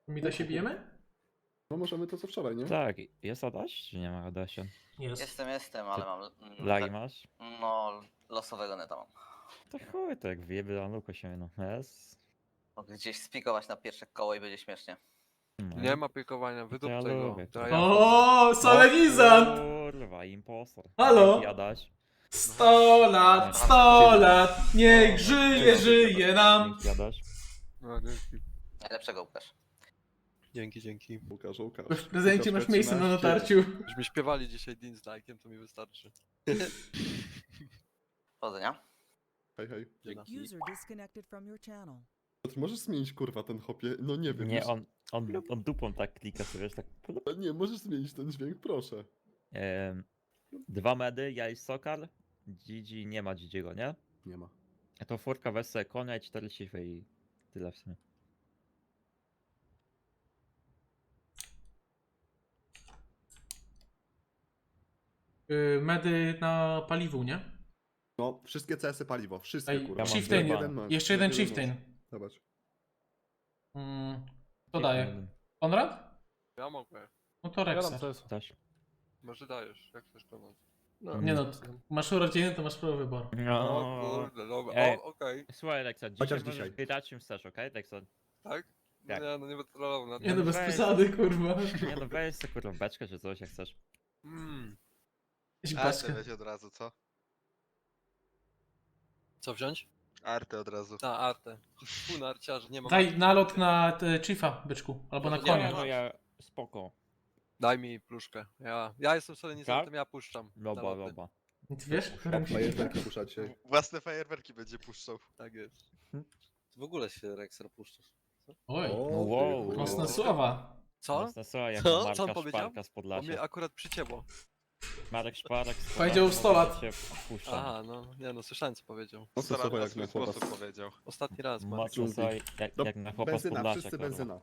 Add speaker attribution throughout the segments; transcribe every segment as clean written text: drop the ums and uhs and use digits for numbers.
Speaker 1: Mi to się bijemy?
Speaker 2: No możemy to co wczoraj, nie?
Speaker 3: Tak, jest Adaś, czy nie ma Adasia?
Speaker 1: Jest.
Speaker 4: Jestem, ale mam...
Speaker 3: Lagi masz?
Speaker 4: No, losowego neta mam.
Speaker 3: To chuj, to jak wyjebie na luko się, no. Jest.
Speaker 4: Mogę gdzieś spikować na pierwsze koło i będzie śmiesznie.
Speaker 3: No.
Speaker 5: Nie ma pikowania, wydup
Speaker 3: ja
Speaker 5: tego.
Speaker 3: lubię to.
Speaker 5: To ja
Speaker 1: O, solenizant!
Speaker 3: Kurwa, impostor.
Speaker 1: Halo?
Speaker 3: Dzięki, Adaś.
Speaker 1: 100 lat, 100 lat, niech żyje, żyje nam.
Speaker 3: Dzięki, Adaś.
Speaker 5: No, dzięki.
Speaker 4: Najlepszego Łukasz.
Speaker 5: Dzięki.
Speaker 2: Łukasz.
Speaker 1: W prezencie masz miejsce na natarciu.
Speaker 5: Żeśmy śpiewali dzisiaj Dean z like'iem, to mi wystarczy.
Speaker 4: Powodzenia.
Speaker 2: Hej.
Speaker 5: Dzięki.
Speaker 6: User disconnected from your channel.
Speaker 2: Ty możesz zmienić kurwa ten hopie? No nie wiem.
Speaker 3: Nie,
Speaker 2: już-
Speaker 3: on dupą tak klika sobie, wiesz, tak.
Speaker 2: Nie, możesz zmienić ten dźwięk, proszę.
Speaker 3: 2 medy, ja i Sokal. Gigi nie ma Gigiego, nie?
Speaker 2: Nie ma.
Speaker 3: A to furka weź sobie konia i 4 sify i tyle w sumie.
Speaker 1: Medy na paliwu, nie?
Speaker 2: No, wszystkie CS-y paliwo, wszystkie
Speaker 1: Ej,
Speaker 2: kurwa.
Speaker 3: mam
Speaker 1: Chieftain,
Speaker 3: dwa.
Speaker 2: Jeden masz,
Speaker 1: jeszcze jeden
Speaker 2: masz.
Speaker 1: Chieftain.
Speaker 2: Zobacz.
Speaker 1: To daje. Konrad?
Speaker 5: Ja mogę.
Speaker 1: No to Rexer.
Speaker 3: Adaś.
Speaker 5: Może dajesz, jak chcesz pomóc.
Speaker 1: Nie no, masz urodziny, to masz prawo wyboru.
Speaker 5: O
Speaker 3: No.
Speaker 5: kurde, dobra.
Speaker 3: Ej.
Speaker 5: O, okej.
Speaker 3: Słuchaj, Lexa,
Speaker 2: Chociaż
Speaker 3: dzisiaj możesz
Speaker 2: dzisiaj.
Speaker 3: grać czym chcesz, okej, Lexa?
Speaker 5: Tak? No
Speaker 3: Tak.
Speaker 5: nie, no nie będę trollował na
Speaker 1: Nie no,
Speaker 5: to.
Speaker 1: bez
Speaker 3: weź.
Speaker 1: przesady, kurwa.
Speaker 3: Nie no, weź sobie kurwa beczkę czy coś jak chcesz.
Speaker 1: Weź
Speaker 7: Artę
Speaker 1: paczkę.
Speaker 7: weź od razu, co?
Speaker 5: Co wziąć?
Speaker 7: Artę od razu.
Speaker 5: Na artę. Pół na arciarze, nie ma.
Speaker 1: Daj nalot na Chiefa, byczku. Albo na
Speaker 5: Nie,
Speaker 1: konia.
Speaker 5: no
Speaker 3: No ja, spoko.
Speaker 5: Daj mi pluszkę. Ja jestem solenizantem, ja puszczam.
Speaker 3: Loba,
Speaker 5: naloty.
Speaker 3: loba.
Speaker 1: Ty wiesz?
Speaker 2: Fajerwerki puszcza dzisiaj.
Speaker 7: Własne fajerwerki będzie puszczał.
Speaker 5: Tak jest.
Speaker 8: W ogóle się Rexer puszczasz.
Speaker 1: Oj,
Speaker 3: Wow.
Speaker 2: ty,
Speaker 1: mocne
Speaker 2: kurwa.
Speaker 1: słowa.
Speaker 5: Co?
Speaker 3: Mocne słowa jak
Speaker 8: Co?
Speaker 5: Co on
Speaker 3: Marka
Speaker 5: powiedział?
Speaker 3: Szparka z
Speaker 5: Bo
Speaker 3: Podlasia.
Speaker 5: mnie akurat przycięło.
Speaker 3: Marek Szparek z
Speaker 1: Powiedział
Speaker 3: Podlasia
Speaker 1: 100 lat.
Speaker 3: cię wpuszczam.
Speaker 5: Aha, no nie no, słyszałem co powiedział.
Speaker 2: Mocne
Speaker 7: Staram
Speaker 2: słowa
Speaker 7: na
Speaker 2: jak
Speaker 7: swój
Speaker 2: na chłopa.
Speaker 7: sposób powiedział.
Speaker 5: Ostatni raz, Marek.
Speaker 3: Mocne słowa jak na chłopa z
Speaker 2: Benzyna,
Speaker 3: Podlasia.
Speaker 2: wszyscy
Speaker 3: kurwa.
Speaker 2: benzyna.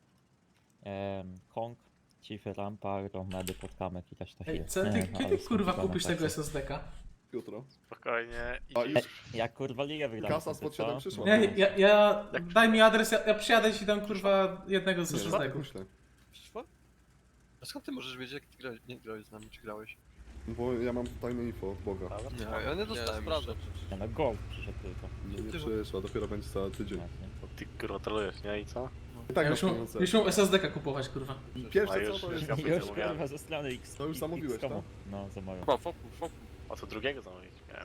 Speaker 3: Kong, Chiefy, Rampa, Medy, Podkamek i też to
Speaker 1: Ej,
Speaker 3: chwilę.
Speaker 1: co ty,
Speaker 3: Nie,
Speaker 1: kiedy
Speaker 3: ale
Speaker 1: kurwa
Speaker 3: skomplikowane
Speaker 1: kupisz tego
Speaker 3: teksty.
Speaker 1: SSD-ka?
Speaker 2: Jutro.
Speaker 7: Spokojnie.
Speaker 2: A już
Speaker 3: Jak kurwa ligę wygrałem.
Speaker 2: kasa spod 7 przyszła.
Speaker 1: Nie, daj mi adres, ja przyjadę ci tam kurwa jednego z
Speaker 2: Nie, tak
Speaker 1: SSD-ków.
Speaker 2: myślę.
Speaker 5: Przyszło? A skąd ty możesz wiedzieć, jak ty grałeś, nie grałeś z nami, czy grałeś?
Speaker 2: Bo ja mam tajne info od Boga.
Speaker 5: Nie, ja nie dostałem
Speaker 8: sprawdzam
Speaker 5: jeszcze.
Speaker 8: przecież.
Speaker 3: Nie no, gol przyszedł tylko.
Speaker 2: No nie przyszła, dopiero będzie za tydzień.
Speaker 3: Właśnie.
Speaker 9: Ty gratulujesz, nie? I co?
Speaker 2: I tak
Speaker 1: Ja
Speaker 2: masz
Speaker 1: już
Speaker 2: pieniądze.
Speaker 1: mu SSD-ka kupować, kurwa.
Speaker 2: Pierwsze
Speaker 9: A
Speaker 2: co
Speaker 9: już-
Speaker 2: to jest...
Speaker 9: Ja
Speaker 3: Już
Speaker 9: zamówiłem.
Speaker 3: kurwa ze strony X.
Speaker 2: To już zamówiłeś,
Speaker 3: X-komu.
Speaker 2: tak?
Speaker 3: No, zamówiłem.
Speaker 5: Chyba, fokus.
Speaker 9: A co drugiego zamówić? Nie.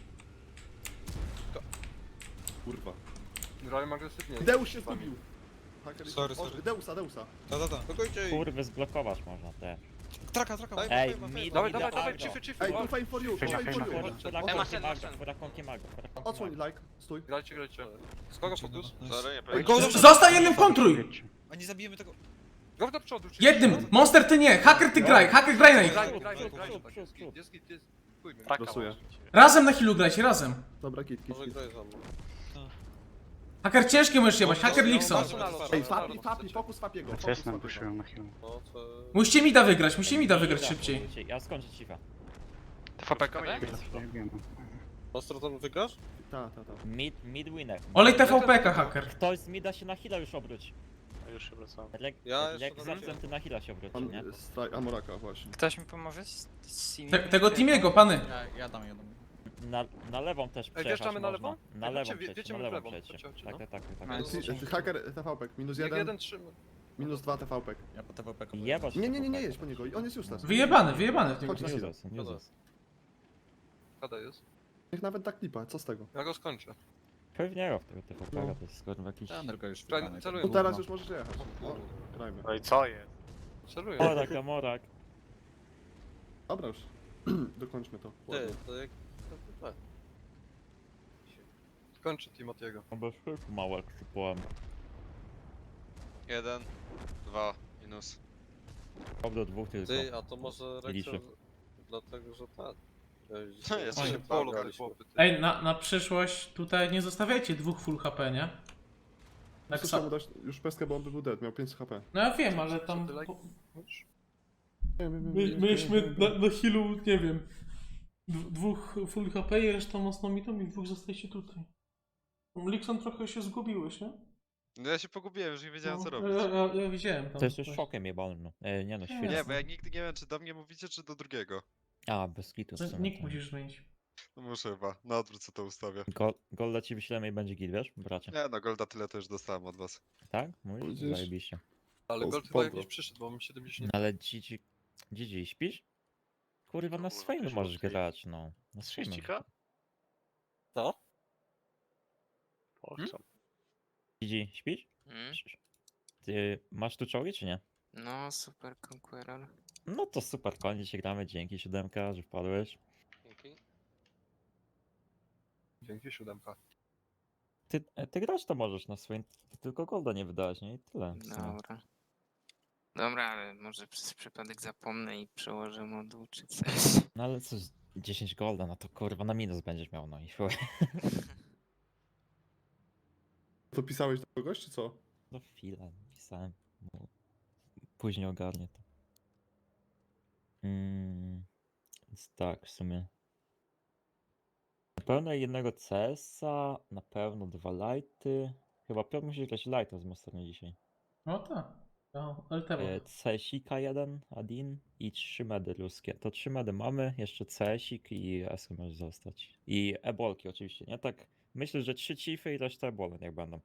Speaker 2: Kurwa.
Speaker 5: Grałem agresywnie.
Speaker 2: Deus się zgubił! Haker jest-
Speaker 8: Sorry,
Speaker 2: O,
Speaker 8: sorry.
Speaker 2: Deusa.
Speaker 8: Spokojcie.
Speaker 3: Kurwy zblokować można te.
Speaker 8: Traka.
Speaker 3: Ej, mi
Speaker 5: Dawaj, chiefy.
Speaker 2: Ej, tu fame for you, tu fame for you!
Speaker 3: Furakonki maga.
Speaker 2: Odsłoń, like, stój.
Speaker 5: Grajcie. Z kogo fokus?
Speaker 7: Sorry, nie
Speaker 2: Ej,
Speaker 7: powiem.
Speaker 2: go
Speaker 1: Zostań jednym, kontruj!
Speaker 8: A nie zabijemy tego.
Speaker 5: Go do przodu.
Speaker 1: Jednym! Monster ty nie! Hacker ty graj na ich!
Speaker 5: Graj.
Speaker 3: Przód.
Speaker 5: Jest pójmy.
Speaker 9: Traka
Speaker 2: Losuję.
Speaker 9: może.
Speaker 1: Razem na healu grajcie, razem!
Speaker 2: Dobra, kit.
Speaker 8: graj za mną.
Speaker 1: Hacker ciężkie możesz jebać, hacker Lixon.
Speaker 2: Ej, fapi, fokus fapiego. Fokus fapiego.
Speaker 8: No to...
Speaker 1: Musicie mida wygrać szybciej.
Speaker 3: Ja skończę cifa.
Speaker 8: Ostro tam wygrasz?
Speaker 2: Ta.
Speaker 3: Mid winner.
Speaker 1: Olej TVP-ka, hacker.
Speaker 3: Ktoś z mida się na heal'a już obróć.
Speaker 9: A już się wracam.
Speaker 8: Ja jeszcze
Speaker 3: Jak
Speaker 8: na
Speaker 3: zamknę, ty na heal'a się obróci,
Speaker 2: Mam
Speaker 3: nie?
Speaker 2: Amoraka właśnie.
Speaker 10: Ktoś mi pomoże z Simi?
Speaker 1: Tego Timiego, pany.
Speaker 10: Ja dam.
Speaker 3: Na lewą też
Speaker 5: Ej,
Speaker 3: przejechać
Speaker 5: wjeżdżamy na
Speaker 3: można.
Speaker 5: lewą?
Speaker 3: Na
Speaker 5: Ej,
Speaker 3: lewą
Speaker 5: wiecie,
Speaker 3: przejść,
Speaker 5: wiecie
Speaker 3: na
Speaker 5: my w
Speaker 3: lewą
Speaker 5: lewą.
Speaker 3: przejść.
Speaker 5: Chodźcie,
Speaker 3: Tak,
Speaker 5: no.
Speaker 3: tak.
Speaker 2: Haker TVP, minus
Speaker 5: Jak
Speaker 2: 1,
Speaker 5: jeden trzyma.
Speaker 2: minus 2 TVP.
Speaker 10: Ja po TVP
Speaker 3: Jebać.
Speaker 2: Nie jedź po niego, on jest useless.
Speaker 1: Wyjebany w niego.
Speaker 2: Chodź na chwilę.
Speaker 3: Useless.
Speaker 5: Kada jest.
Speaker 2: Niech nawet tak klipa, co z tego?
Speaker 5: Ja go skończę.
Speaker 3: Pewnie rok tego TVP,
Speaker 2: No.
Speaker 3: to jest kurwa jakiś...
Speaker 10: Tylko już
Speaker 5: Celuję.
Speaker 2: No teraz już możesz jechać. No, grajmy.
Speaker 9: No i co jest?
Speaker 5: Celuję.
Speaker 3: Morak.
Speaker 2: Dobra już. Dokończmy to.
Speaker 8: Ty, to jak...
Speaker 5: Kończę Timotiego.
Speaker 3: No bez szyku małe przypłam.
Speaker 7: 1, 2, minus.
Speaker 3: Ob do dwóch tylko.
Speaker 8: Ty, a to może
Speaker 3: Liczy.
Speaker 8: Rexer... Dlatego, że tak.
Speaker 7: No, jesteśmy
Speaker 5: Oj, polu,
Speaker 7: polu,
Speaker 5: chłopy. ty.
Speaker 1: Ej, na przyszłość tutaj nie zostawiajcie dwóch full HP, nie? Tak
Speaker 2: Muszę mu dać już pestkę, bo on by był dead, miał 5 HP.
Speaker 1: No ja wiem, ale tam...
Speaker 5: Co ty, like?
Speaker 1: Mieliśmy na healu, nie wiem, dwóch full HP i reszta mocno mitą i dwóch zostajecie tutaj. Lixon trochę się zgubiłeś, nie?
Speaker 7: No ja się pogubiłem, już nie wiedziałem co
Speaker 1: No,
Speaker 7: robić.
Speaker 1: ja widziałem tam.
Speaker 3: To jest już
Speaker 1: coś.
Speaker 3: szokiem jebalny. Nie no,
Speaker 1: Nie,
Speaker 3: świetnie.
Speaker 7: Nie, bo ja nigdy nie wiem, czy do mnie mówicie, czy do drugiego.
Speaker 3: A, bez kitu w
Speaker 1: To
Speaker 3: sumie.
Speaker 1: Nick
Speaker 3: to-
Speaker 1: musisz zmienić.
Speaker 7: No muszę chyba, na odwrót co to ustawię.
Speaker 3: Golda ci wyślemy i będzie git, wiesz, bracie?
Speaker 7: Nie no, Golda tyle to już dostałem od was.
Speaker 3: Tak? Mówisz?
Speaker 2: Widzisz?
Speaker 3: Zajebiście.
Speaker 5: Ale
Speaker 2: O,
Speaker 5: Gold chyba
Speaker 2: spoko.
Speaker 5: jakiś przyszedł, bo mam 70.
Speaker 3: No ale Gigi, śpisz? Kurwa, na
Speaker 7: Kurwa,
Speaker 3: swoim
Speaker 7: jakiś
Speaker 3: możesz
Speaker 7: okej.
Speaker 3: grać, no. Na swoim.
Speaker 9: Sześcika?
Speaker 5: Co?
Speaker 9: Pochcam.
Speaker 3: Gigi, śpisz?
Speaker 10: Mm?
Speaker 3: Ty masz tu czołgi, czy nie?
Speaker 10: No, Super Conqueror.
Speaker 3: No to super, konie się gramy, dzięki 7, że wpadłeś.
Speaker 9: Dzięki.
Speaker 5: Dzięki 7.
Speaker 3: Ty grać to możesz na swoim, ty tylko golda nie wydałeś, nie? I tyle. w sumie.
Speaker 10: Dobra. Dobra, ale może przez przypadek zapomnę i przełożę moduł czy coś.
Speaker 3: No ale co, 10 golda, no to kurwa na minus będziesz miał, no i chuj.
Speaker 2: To pisałeś do kogoś, czy co?
Speaker 3: No chwilę, pisałem. No, później ogarnię to. Więc tak, w sumie. Na pewno jednego CS-a, na pewno 2 lighty. Chyba Piotr musi grać lighta z Masternie dzisiaj.
Speaker 1: No tak. No, LTW.
Speaker 3: CS-ika 1, Adin i 3 medy ruskie. To 3 medy mamy, jeszcze CS-ik i SK może zostać. I ebolki oczywiście, nie? Tak, myślę, że 3 chiefy i reszta ebole niech będą.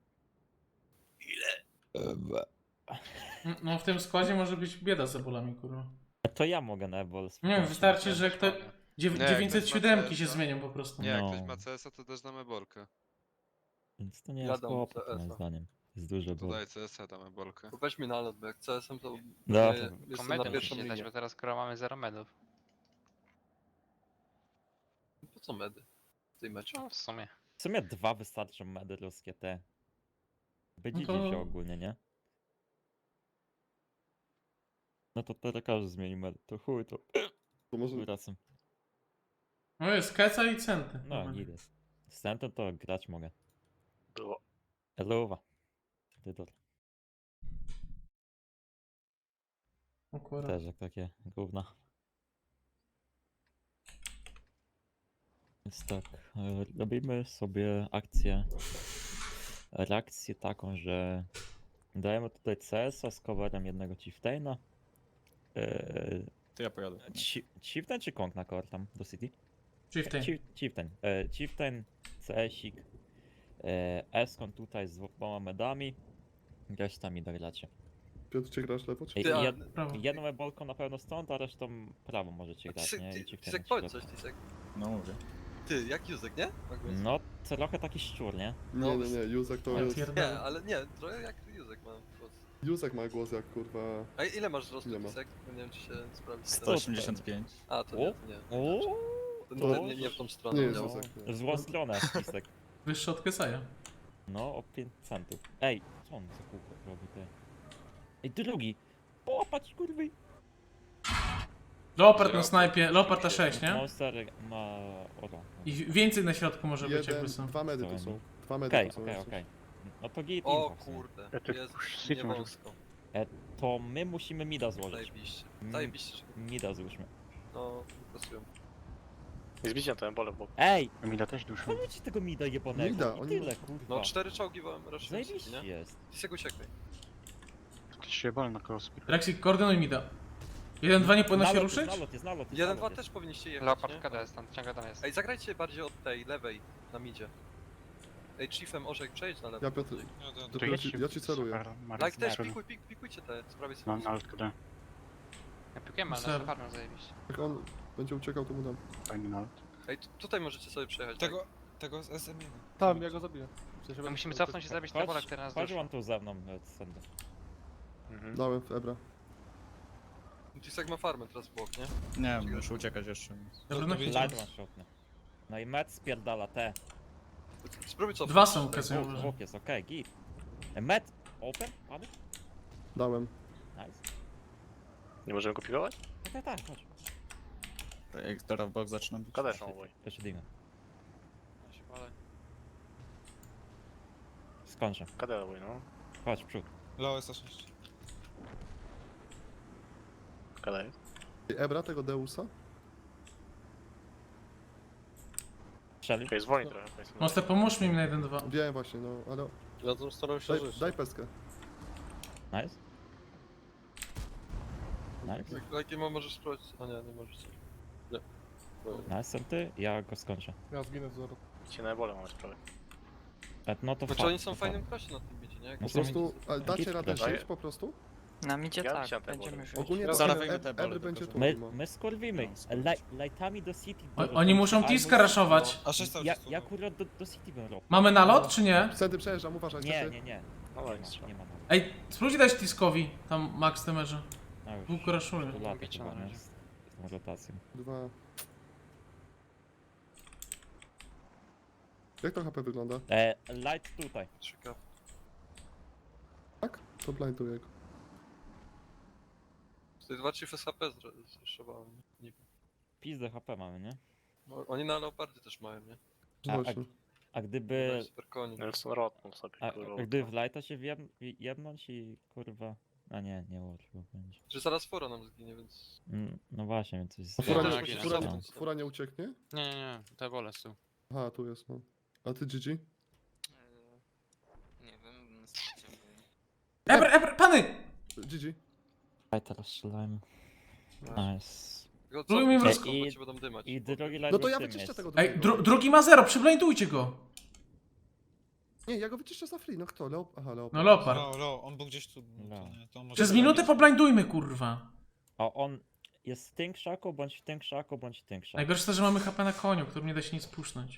Speaker 1: No w tym składzie może być bieda z ebolami, kurwa.
Speaker 3: To ja mogę na ebol
Speaker 1: Nie wiem,
Speaker 3: spróbować.
Speaker 1: wystarczy, że kto...
Speaker 7: Nie, ktoś ma
Speaker 1: 907 się
Speaker 7: CS-a.
Speaker 1: zmienią po prostu.
Speaker 7: Nie, jak
Speaker 3: No.
Speaker 7: ktoś ma CS-a, to też damy bolkę.
Speaker 3: Więc to nie jest
Speaker 5: Jadą
Speaker 3: kłopot moim
Speaker 5: CS-a.
Speaker 3: zdaniem. Jest duże
Speaker 7: To
Speaker 3: ebol.
Speaker 7: daj CS-a, damy bolkę.
Speaker 5: Bo weź mi nalot, bo jak CS-em to
Speaker 3: No,
Speaker 5: nie-
Speaker 3: to-
Speaker 5: jestem na pierwszą linię.
Speaker 9: bo teraz skoro mamy 0 medów.
Speaker 5: Po co medy w tej meczu?
Speaker 9: No w sumie.
Speaker 3: W sumie 2 wystarczą medy ruskie te. By
Speaker 1: No
Speaker 3: dziś
Speaker 1: to-
Speaker 3: wziął ogólnie, nie? No to teraz każdy zmieni medy. To chuj, to
Speaker 2: To może...
Speaker 3: wracam.
Speaker 1: No jest Keca i Centy.
Speaker 3: No, nie jest. Z Centem to grać mogę.
Speaker 9: Było.
Speaker 3: Eluwa. Dydor.
Speaker 1: O kurwa.
Speaker 3: Też jak takie gówna. Więc tak, robimy sobie reakcję taką, że dajemy tutaj CS-a z coverem jednego Chieftaina.
Speaker 8: To ja pojadę.
Speaker 3: Chieftain czy Kong na cover tam do City?
Speaker 1: Chieftain.
Speaker 3: Chieftain. Chieftain, CS-ik, Eskon tutaj z 2 medami. Reszta mi dogracie.
Speaker 2: Piotr, czy grasz lewo, czy...
Speaker 3: Ej,
Speaker 5: Ty, a-
Speaker 1: Prawo.
Speaker 3: jedną ebolką na pewno stąd, a resztą prawo możecie grać,
Speaker 5: Tisek,
Speaker 3: nie? I
Speaker 5: ty,
Speaker 3: Chieftaina
Speaker 5: Tisek
Speaker 3: w
Speaker 5: powiedz
Speaker 3: środku.
Speaker 5: coś, Tisek.
Speaker 8: No mówię.
Speaker 5: Ty, jak Józek, nie? Magwys?
Speaker 3: No, trochę taki szczur, nie?
Speaker 2: Nie, nie, nie, Józek to
Speaker 1: Ja
Speaker 2: jest...
Speaker 5: Nie,
Speaker 1: pierdolę.
Speaker 5: ale nie, trochę jak Józek ma głos.
Speaker 2: Józek ma głos jak kurwa...
Speaker 5: A ile masz wzrostu,
Speaker 2: Ile ma?
Speaker 5: Tisek? Bo nie wiem, czy się sprawdzi.
Speaker 8: 185.
Speaker 5: A, to nie, to nie.
Speaker 3: O,
Speaker 5: To
Speaker 2: To-
Speaker 5: nie w tą stronę.
Speaker 2: Nie jest
Speaker 5: miał.
Speaker 2: Józek, nie.
Speaker 3: w złą stronę, Pisek.
Speaker 1: Wyższy od Kecaja.
Speaker 3: No, o 5 centów. Ej, co on za kółko robi, ty? Ej, drugi! Połapać, kurwy!
Speaker 1: Leopard na snajpie, Leopard na 6, nie?
Speaker 3: Monster ma... Oro.
Speaker 1: I więcej na środku może być jakby są.
Speaker 2: 2 medy tu
Speaker 3: To
Speaker 2: są. 2 medy
Speaker 3: Okej,
Speaker 2: tu są.
Speaker 3: okej,
Speaker 2: jak coś.
Speaker 3: okej. No to git
Speaker 5: O
Speaker 3: info w sumie.
Speaker 5: kurde,
Speaker 9: Ja tu
Speaker 5: jest
Speaker 9: shit
Speaker 5: nie
Speaker 9: może-
Speaker 5: wąsko.
Speaker 3: To my musimy mida złożyć.
Speaker 5: Zajebiście.
Speaker 3: Mm.
Speaker 5: Zajebiście, że
Speaker 3: Mida złóżmy.
Speaker 5: no, pasują.
Speaker 9: Nie zbicie na ten bole, bo
Speaker 3: Ej!
Speaker 9: Emila też duszą.
Speaker 3: Chodźcie tego mida jebanego
Speaker 2: Mida,
Speaker 3: i
Speaker 2: oni-
Speaker 3: tyle, kurwa.
Speaker 5: No, 4 czołgi wam ruszyły,
Speaker 3: Zajebiście
Speaker 5: nie?
Speaker 3: jest.
Speaker 5: Tisek uciekaj.
Speaker 9: Ktoś się bal na crossfit.
Speaker 1: Rexik, koordynuj mi da. 1-2 nie powinno się
Speaker 3: Nalot
Speaker 1: ruszyć?
Speaker 3: Jest, nalot jest, nalot jest.
Speaker 5: 1-2
Speaker 3: nalot
Speaker 5: też
Speaker 3: jest.
Speaker 5: powinniście jechać,
Speaker 9: Leopard
Speaker 5: nie?
Speaker 9: KD jest tam, ciągle tam jest.
Speaker 5: Ej, zagrajcie bardziej od tej lewej, na midzie. Ej, Chiefem Orzek, przejdź na lewo.
Speaker 2: Ja Piotr...
Speaker 9: To
Speaker 2: Ja ci, ja ci celuję.
Speaker 5: Like też, pikujcie te, z prawej strony.
Speaker 9: Mam nalot KD. Ja piłem, ale
Speaker 1: Ser.
Speaker 9: na farmę zajebiście.
Speaker 2: Jak on będzie uciekał, to mu dam.
Speaker 9: Fajny nalot.
Speaker 5: Ej, tutaj możecie sobie przejechać.
Speaker 8: Tego z SM1.
Speaker 2: Tam, ja go zabiję.
Speaker 9: No musimy cofnąć i zabić te bole, które nas
Speaker 3: Chodź
Speaker 9: duszą.
Speaker 3: on tu ze mną, sędzia.
Speaker 9: Mhm.
Speaker 2: Dałem w Ebra.
Speaker 5: Tak. Tisek ma farmę teraz w bok, nie?
Speaker 8: Nie, muszę uciekać jeszcze.
Speaker 1: Dobra, no
Speaker 3: Light one shotny. No i Met spierdala te.
Speaker 5: Spróbuj cofnąć.
Speaker 1: 2 są Kecaja,
Speaker 3: Bóg,
Speaker 1: uważaj.
Speaker 3: bóg jest okej, git. Met, open, padł?
Speaker 2: Dałem.
Speaker 3: Nice.
Speaker 9: Nie możemy go pigować?
Speaker 3: Tak, chodź.
Speaker 8: Jak teraz bok zaczyna bić.
Speaker 9: KD są oboj.
Speaker 3: Jeszcze dymy.
Speaker 5: Ja się palę.
Speaker 3: Skończę.
Speaker 9: KD oboj, no.
Speaker 3: Chodź, w przód.
Speaker 8: Low S6.
Speaker 9: KD jest.
Speaker 2: Ebra tego Deusa?
Speaker 3: Strzelił.
Speaker 9: Okej, zwolnij trochę. powiedzmy.
Speaker 1: Monster, pomóż mi na 1-2.
Speaker 2: Wiem właśnie, no, ale...
Speaker 5: Ja tam staram się żyć.
Speaker 2: Daj peskę.
Speaker 3: Nice. Nice.
Speaker 5: Jakie ma możesz sprawdzić? A nie możesz. Nie.
Speaker 3: Nice, ty? Ja go skończę.
Speaker 2: Ja zginę z zero.
Speaker 9: Cię na ebole mamy sprawę.
Speaker 3: No to
Speaker 5: Znaczy
Speaker 3: fa-
Speaker 5: oni są
Speaker 3: to
Speaker 5: w fajnym
Speaker 3: fa-
Speaker 5: klasie na tym bicie, nie? Jak
Speaker 3: No
Speaker 2: Po
Speaker 3: są-
Speaker 2: prostu, ale dacie
Speaker 3: Git
Speaker 2: radę
Speaker 9: daje.
Speaker 2: żyć po prostu?
Speaker 10: Na midzie
Speaker 9: Ja
Speaker 10: tak,
Speaker 9: wsiadam,
Speaker 10: będziemy
Speaker 9: bo-
Speaker 10: żyć.
Speaker 2: Ogólnie to
Speaker 8: Zarawimy te
Speaker 2: Ebry
Speaker 8: bole,
Speaker 2: będzie
Speaker 8: tylko
Speaker 2: tu.
Speaker 8: że-
Speaker 3: My skurwimy. Lightami do City.
Speaker 1: Oni muszą Tiska raszować.
Speaker 8: A 6 cały
Speaker 3: Ja,
Speaker 8: czas tu,
Speaker 3: ja
Speaker 8: no.
Speaker 3: akurat do City bym robił.
Speaker 1: Mamy nalot, czy nie?
Speaker 2: Wtedy przejeżdżam, uważaj.
Speaker 3: Nie,
Speaker 2: wtedy.
Speaker 3: nie, nie.
Speaker 9: No
Speaker 3: Nie
Speaker 9: nic.
Speaker 3: ma, nie ma.
Speaker 1: Ej, spróbujcie dać Tiskowi, tam max demerze.
Speaker 3: No już.
Speaker 1: Dwóch raszuje.
Speaker 3: Tu lata
Speaker 9: Bicie
Speaker 3: chyba,
Speaker 9: na
Speaker 3: nie?
Speaker 9: razie.
Speaker 3: Z tą rotacją.
Speaker 2: 2. Jak to HP wygląda?
Speaker 3: Light tutaj.
Speaker 5: Ciekawe.
Speaker 2: Tak? To blinduję go.
Speaker 5: Tutaj 2 Chiefy SHP zreszowałem. Nie wiem.
Speaker 3: Pizdę HP mamy, nie?
Speaker 5: No, oni na Leopardy też mają, nie?
Speaker 2: Właśnie.
Speaker 3: A gdyby...
Speaker 5: Super koni.
Speaker 9: Nelson rotnął sobie,
Speaker 3: A
Speaker 9: kurwa.
Speaker 3: gdyby w Lighta się jebnąć i kurwa... A nie łatwo będzie.
Speaker 5: Że zaraz fora nam zginie, więc...
Speaker 3: No właśnie, więc coś...
Speaker 2: A fura,
Speaker 5: Ja
Speaker 2: nie,
Speaker 5: tak,
Speaker 2: fura,
Speaker 5: ja
Speaker 2: nie, fura nie ucieknie?
Speaker 8: Nie, te bole są.
Speaker 2: Aha, tu jest, no. A ty GG?
Speaker 10: Nie wiem, na starcie byli.
Speaker 1: Ebr, pany!
Speaker 2: GG.
Speaker 3: Lighta rozstrzelajmy. Nice.
Speaker 5: Go
Speaker 1: Próbujmy im
Speaker 5: co?
Speaker 3: roz-
Speaker 5: Bo cię będą dymać.
Speaker 3: I drugi light
Speaker 2: No to ja
Speaker 3: tym
Speaker 2: wyczyszczę
Speaker 3: jest.
Speaker 2: tego
Speaker 1: Ej,
Speaker 2: drugiego.
Speaker 1: drugi ma 0, przyblindujcie go.
Speaker 2: Nie, ja go wyczyszczę za free, no kto? Aha, Leopard.
Speaker 1: No Leopard.
Speaker 8: On był gdzieś tu.
Speaker 3: No.
Speaker 8: To nie, to on może
Speaker 1: Przez
Speaker 8: tak
Speaker 1: minutę
Speaker 8: być.
Speaker 1: poblindujmy, kurwa.
Speaker 3: A on jest w tym krzaku, bądź w tym krzaku, bądź w tym krzaku.
Speaker 1: Najgorsze to, że mamy HP na koniu, którym nie da się nic pusznąć.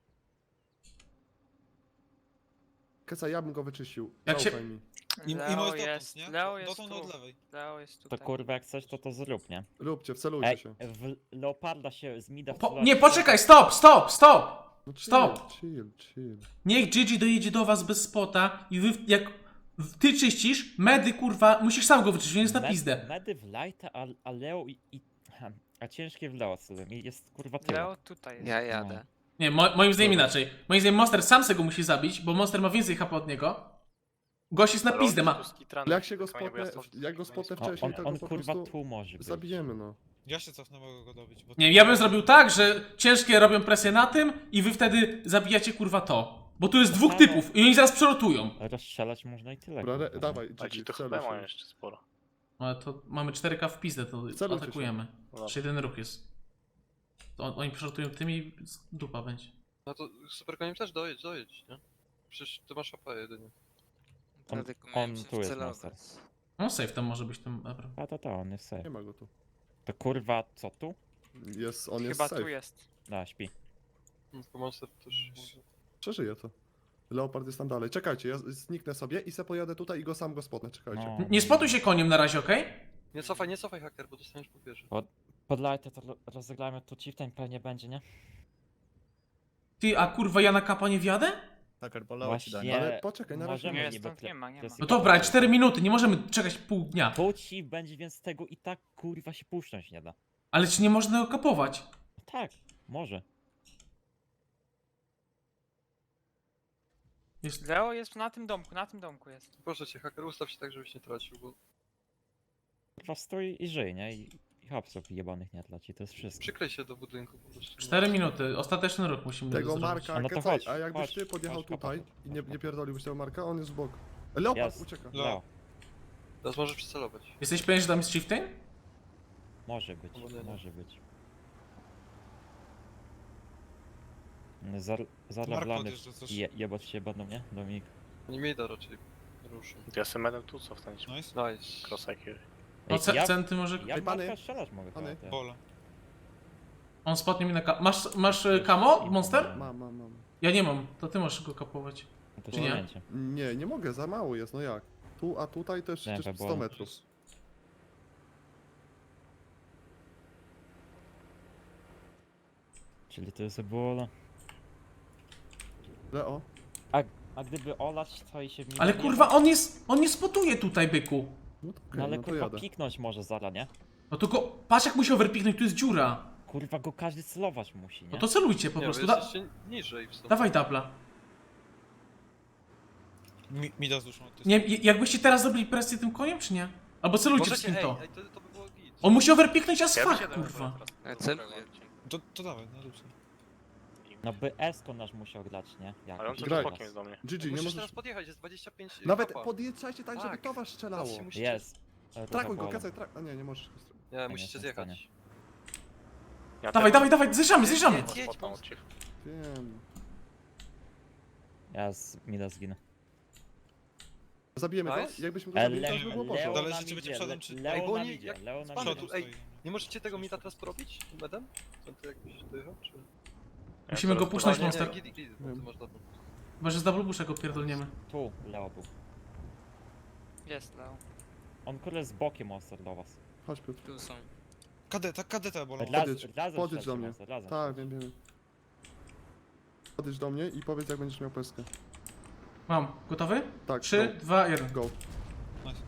Speaker 2: Keca, ja bym go wyczyścił.
Speaker 1: Jak się-
Speaker 2: Zaufaj mi.
Speaker 8: I
Speaker 10: Leo
Speaker 8: może
Speaker 10: jest,
Speaker 8: dotąd, nie?
Speaker 10: Leo jest
Speaker 8: Dotąd
Speaker 10: tu.
Speaker 8: od lewej.
Speaker 10: Leo jest
Speaker 3: To
Speaker 10: tutaj.
Speaker 3: kurwa jak chcesz to zrób, nie?
Speaker 2: Róbcie, wcelujcie
Speaker 3: Ej,
Speaker 2: się.
Speaker 3: w Leoparda się z mida wcelać-
Speaker 1: Nie, poczekaj, stop!
Speaker 2: No chill,
Speaker 1: stop.
Speaker 2: chill.
Speaker 1: Niech Gigi dojedzie do was bez spota i wy, jak ty czyścisz, medy kurwa, musisz sam go wyczyścić, on jest na pizdę.
Speaker 3: Medy w Lighta, a Leo a ciężkie w Leo sobie i jest kurwa tyle.
Speaker 10: Leo tutaj jest.
Speaker 9: Ja jadę.
Speaker 1: Nie, moim zdaniem inaczej. Moim zdaniem Monster sam se go musi zabić, bo Monster ma więcej HP od niego. Gość jest na pizdę, ma...
Speaker 2: Ale jak się go spotnę, jak go spotnę wcześniej, to
Speaker 3: On
Speaker 2: go po
Speaker 3: kurwa
Speaker 2: prostu
Speaker 3: tu może być.
Speaker 2: zabijemy, no.
Speaker 8: Ja się cofnę, mogę go dobić. Bo
Speaker 1: Nie, ja bym zrobił tak, że ciężkie robią presję na tym i wy wtedy zabijacie kurwa to. Bo tu jest dwóch typów i oni zaraz przerotują.
Speaker 3: Rozstrzelać można i tyle.
Speaker 2: Dobra,
Speaker 3: kurwa,
Speaker 2: dawaj,
Speaker 9: A ci
Speaker 2: GG,
Speaker 9: to
Speaker 2: wceluj
Speaker 9: chyba mają
Speaker 2: się.
Speaker 9: jeszcze sporo.
Speaker 1: Ale to mamy 4K w pizdę, to
Speaker 2: Celujcie się.
Speaker 1: atakujemy.
Speaker 9: No
Speaker 1: Jeszcze jeden ruch jest. To oni przerotują tym i dupa będzie.
Speaker 5: No to super koniem też dojedź, nie? Przecież ty masz AP jedynie.
Speaker 3: On-
Speaker 10: Tylko
Speaker 3: on
Speaker 10: miałem się
Speaker 3: tu jest
Speaker 10: wcelować.
Speaker 3: Monster.
Speaker 1: No safe tam może być tym Ebra.
Speaker 3: A on jest safe.
Speaker 2: Nie ma go tu.
Speaker 3: To kurwa co tu?
Speaker 2: Jest, on jest
Speaker 10: Chyba
Speaker 2: safe.
Speaker 10: tu jest.
Speaker 3: Da, śpi.
Speaker 5: Tylko Monster też może.
Speaker 2: Przeżyje to. Leopard jest tam dalej. Czekajcie, ja zniknę sobie i se pojadę tutaj i go sam go spotnę, czekajcie.
Speaker 3: No.
Speaker 1: Nie spotuj się koniem na razie, okej?
Speaker 5: Nie cofaj haker, bo dostaniesz po pierwsze.
Speaker 3: Pod Lighta to rozegrajmy tu chieftain pewnie będzie, nie?
Speaker 1: Ty, a kurwa ja na kapa nie wjadę?
Speaker 8: Hacker, boleło ci daj.
Speaker 3: Właśnie
Speaker 2: Ale poczekaj, na razie
Speaker 3: możemy
Speaker 10: nie.
Speaker 3: niby
Speaker 10: Stąd
Speaker 3: tle-
Speaker 10: nie ma, nie
Speaker 3: to jest
Speaker 10: ma.
Speaker 1: No dobra, ale 4 minuty, nie możemy czekać pół dnia.
Speaker 3: Tu chief będzie, więc tego i tak kurwa się puszczać nie da.
Speaker 1: Ale czy nie można go kapować?
Speaker 3: Tak, może.
Speaker 1: Jest...
Speaker 10: Leo jest na tym domku jest.
Speaker 5: Proszę cię, haker, ustaw się tak, żebyś nie tracił, bo
Speaker 3: Kurwa stój i żyj, nie? I hapsów jebanych nie tleci, to jest wszystko.
Speaker 5: przyklej się do budynku po prostu.
Speaker 1: 4 minuty, ostateczny ruch musimy
Speaker 2: Tego
Speaker 1: zrobić.
Speaker 2: Marka,
Speaker 3: No to
Speaker 2: Kecaj,
Speaker 3: chodź,
Speaker 2: a jakbyś
Speaker 3: chodź,
Speaker 2: ty podjechał
Speaker 3: chodź,
Speaker 2: tutaj
Speaker 3: chodź.
Speaker 2: i nie pierdoliłbyś tego Marka, on jest w bok. Leopard
Speaker 3: Jest.
Speaker 2: ucieka.
Speaker 3: Leo.
Speaker 5: Teraz możesz przycelować.
Speaker 1: Jesteś pewien, że tam jest chieftain?
Speaker 3: Może być,
Speaker 5: Albo nie.
Speaker 3: może być. Za
Speaker 8: Mark
Speaker 3: lawlany
Speaker 8: podjeżdża coś.
Speaker 3: jebać się będą, nie? Dominik.
Speaker 5: Nie mi da raczej ruszy.
Speaker 9: Ja jestem medem tu cofnąć.
Speaker 8: Nice.
Speaker 5: Nice.
Speaker 9: Cross IQ.
Speaker 1: No
Speaker 3: ja,
Speaker 1: centy może...
Speaker 3: ja
Speaker 2: Ej, pany,
Speaker 3: Marka strzelać mogę.
Speaker 2: pany.
Speaker 3: teraz.
Speaker 8: Bole.
Speaker 1: On spotnie mi na kap... Masz kamo, Monster?
Speaker 2: Mam.
Speaker 1: Ja nie mam, to ty możesz go kapować.
Speaker 3: No to
Speaker 1: Czy nie?
Speaker 3: ściągnięcie.
Speaker 2: Nie mogę, za mało jest, no jak? Tu, a tutaj też
Speaker 3: Nie,
Speaker 2: przecież
Speaker 3: to
Speaker 2: 100
Speaker 3: było-
Speaker 2: metrów.
Speaker 3: Czyli to jest ebola.
Speaker 2: Leo,
Speaker 3: A gdyby olać to i się w nim
Speaker 1: Ale
Speaker 3: nie
Speaker 1: kurwa,
Speaker 3: da-
Speaker 1: on nie spotuje tutaj, byku.
Speaker 2: no to okej,
Speaker 3: No ale
Speaker 2: no to
Speaker 3: kurwa
Speaker 2: jadę.
Speaker 3: piknąć może zara, nie?
Speaker 1: No to go... Patrz jak musi overpiknąć, tu jest dziura.
Speaker 3: Kurwa go każdy celować musi, nie?
Speaker 1: No to celujcie po
Speaker 5: Nie,
Speaker 1: prostu.
Speaker 5: wy jesteście niżej w sumie.
Speaker 1: Dawaj dubla.
Speaker 8: Mi da z duszą. to jest-
Speaker 1: Nie, jakbyście teraz zrobili presję tym koniem, czy nie? Albo celujcie
Speaker 5: Możecie,
Speaker 1: wszystkim to.
Speaker 5: ej, to by było git.
Speaker 1: On musi overpiknąć as
Speaker 9: Ja
Speaker 1: fuck,
Speaker 9: wysiadam
Speaker 1: kurwa.
Speaker 9: teraz.
Speaker 10: Celuję.
Speaker 8: To dawaj, na dupce.
Speaker 3: No by Esko nasz musiał grać, nie? Jak
Speaker 9: Ale on
Speaker 2: Graj.
Speaker 9: cały bokiem jest do mnie.
Speaker 2: GG, nie
Speaker 5: Musisz
Speaker 2: możesz...
Speaker 5: teraz podjechać, jest 25
Speaker 2: Nawet
Speaker 5: kapa.
Speaker 2: podjeżdżajcie tak, żeby
Speaker 5: Tak.
Speaker 2: to was strzelało.
Speaker 5: Teraz się musicie...
Speaker 3: Jest.
Speaker 2: Trakuj go, kacaj, A nie, nie możesz.
Speaker 5: Nie, musicie
Speaker 3: jestem w
Speaker 5: zjechać.
Speaker 9: Ja
Speaker 1: Dawaj,
Speaker 9: też
Speaker 1: dawaj, zjeżdżamy, zjeżdżamy!
Speaker 5: Jedź, jedź,
Speaker 9: spotkam
Speaker 5: bo-
Speaker 9: od ciebie.
Speaker 2: Wiem.
Speaker 3: Ja z mida zginę.
Speaker 2: Zabijemy go?
Speaker 5: Nice.
Speaker 2: Jakbyśmy go zabili, to
Speaker 3: Le
Speaker 2: już by było
Speaker 8: Leo-
Speaker 2: poszło.
Speaker 8: Zależy,
Speaker 3: na
Speaker 8: czy
Speaker 3: midzie,
Speaker 8: będzie przodem, czy-
Speaker 5: Ej,
Speaker 3: Leo
Speaker 5: bo
Speaker 3: na
Speaker 5: oni
Speaker 3: midzie,
Speaker 5: jak
Speaker 3: Leo na
Speaker 5: z przodu,
Speaker 3: midzie.
Speaker 5: ej, nie możecie tego mita teraz porobić? Medem? Co ty jakbyś dojechał, czy...
Speaker 1: Musimy go
Speaker 9: teraz
Speaker 1: puszczać,
Speaker 5: nie,
Speaker 1: monster.
Speaker 5: nie, git, bo ty masz dobrą.
Speaker 1: Chyba, że z double busha go pierdolniemy.
Speaker 3: Tu Leo był.
Speaker 10: Jest, Leo.
Speaker 3: On kurde z bokiem monster do was.
Speaker 2: Chodź Piotr.
Speaker 10: Tu są.
Speaker 8: Kadeta bolą.
Speaker 2: Podjedź
Speaker 3: Razem
Speaker 2: do mnie.
Speaker 3: monster, razem.
Speaker 2: Tak, wiem. Podejdź do mnie i powiedz jak będziesz miał peskę.
Speaker 1: Mam. Gotowy?
Speaker 2: Tak,
Speaker 1: 3, 2, 1.
Speaker 2: go.
Speaker 8: Nice.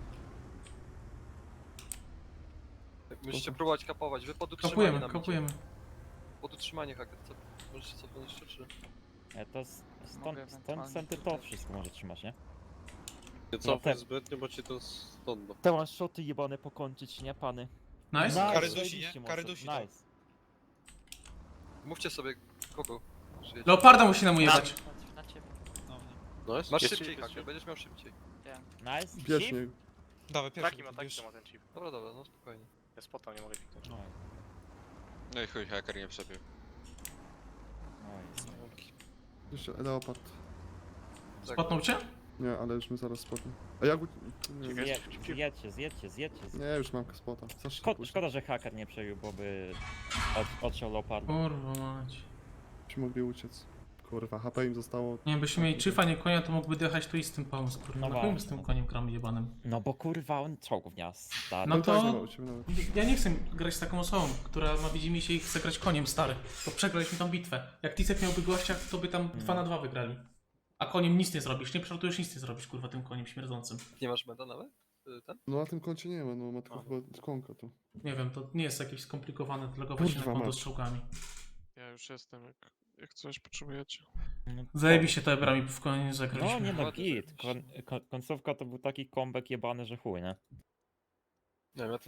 Speaker 5: Musicie próbować kapować, wy pod utrzymanie
Speaker 1: Kapujemy,
Speaker 5: nam idzie.
Speaker 1: kapujemy.
Speaker 5: Pod utrzymanie haker, co? Możecie cofnąć jeszcze, czy...
Speaker 3: To
Speaker 10: Mogę
Speaker 3: stąd
Speaker 10: ewentualnie
Speaker 3: centy to
Speaker 10: tutaj.
Speaker 3: wszystko może trzymać, nie?
Speaker 11: Nie
Speaker 3: cofnij
Speaker 11: zbytnio, bo ci to stąd.
Speaker 3: Te one shoty jebane pokończyć, nie pany?
Speaker 1: Nice.
Speaker 8: Kary dusi,
Speaker 3: zajebiście,
Speaker 8: nie?
Speaker 3: monster.
Speaker 8: Kary dusi, tak.
Speaker 3: Nice.
Speaker 5: Mówcie sobie kogo przyjedzie.
Speaker 1: Leoparda musi nam ujebać.
Speaker 10: Na ciebie.
Speaker 8: No, nie.
Speaker 11: No jest?
Speaker 5: Masz
Speaker 11: Jest
Speaker 5: szybciej
Speaker 11: chip,
Speaker 5: haker,
Speaker 11: jest
Speaker 5: będziesz miał szybciej.
Speaker 3: Nice.
Speaker 2: Bierz
Speaker 3: Shift?
Speaker 2: mnie.
Speaker 8: Dawaj, pierwszy.
Speaker 9: Taki ma,
Speaker 8: już.
Speaker 9: taki ma ten chip.
Speaker 5: Dobra, dobra, no spokojnie.
Speaker 9: Ja spota nie mogę kliknąć.
Speaker 3: No,
Speaker 7: No i chuj, haker nie przebił.
Speaker 3: nice.
Speaker 2: Jeszcze leopard.
Speaker 1: Spotnął cię?
Speaker 2: Nie, ale już my zaraz spotnę. A jak... Nie,
Speaker 3: Zjedźcie.
Speaker 2: nie, już mam spota. Za szybko
Speaker 3: Szkoda, szkoda, że haker nie przebił, bo by odciął Leoparda.
Speaker 1: Kurwa mać.
Speaker 2: Byśmy mogli uciec. Kurwa, HP im zostało...
Speaker 1: Nie, byśmy mieli czyfa, nie konia, to mógłby dojechać tu i z tym pomysł, kurwa.
Speaker 3: No
Speaker 1: No chuj z
Speaker 3: właśnie.
Speaker 1: tym koniem gram jebanym.
Speaker 3: No bo kurwa on czołgów nie ma stary.
Speaker 1: No
Speaker 2: No tak,
Speaker 1: to-
Speaker 2: nie ma u ciebie nawet.
Speaker 1: Ja nie chcę grać z taką osobą, która ma widzimy się i chce grać koniem, stary. To przegraliśmy tą bitwę. Jak Tisek miałby gościa, to by tam 2 na 2 wygrali. A koniem nic nie zrobisz, nie przelatujesz, nic nie zrobisz, kurwa, tym koniem śmierdzącym.
Speaker 5: Nie masz meda nawet? Ten?
Speaker 2: No na tym koncie nie ma, no ma tylko
Speaker 5: A.
Speaker 2: chyba konka tu.
Speaker 1: Nie wiem, to nie jest jakieś skomplikowane, to logować się na
Speaker 2: Kurwa
Speaker 1: konto
Speaker 2: mać.
Speaker 1: z czołgami.
Speaker 7: Ja już jestem, jak coś potrzebujecie.
Speaker 3: No,
Speaker 1: Zajebiście to ebrami w konie
Speaker 3: No
Speaker 1: zagraliśmy.
Speaker 3: nie no
Speaker 5: Ładnie
Speaker 3: git.
Speaker 5: zajebiście.
Speaker 3: Końcówka to był taki comeback jebany, że chuj, nie?
Speaker 5: Nie wiem, ja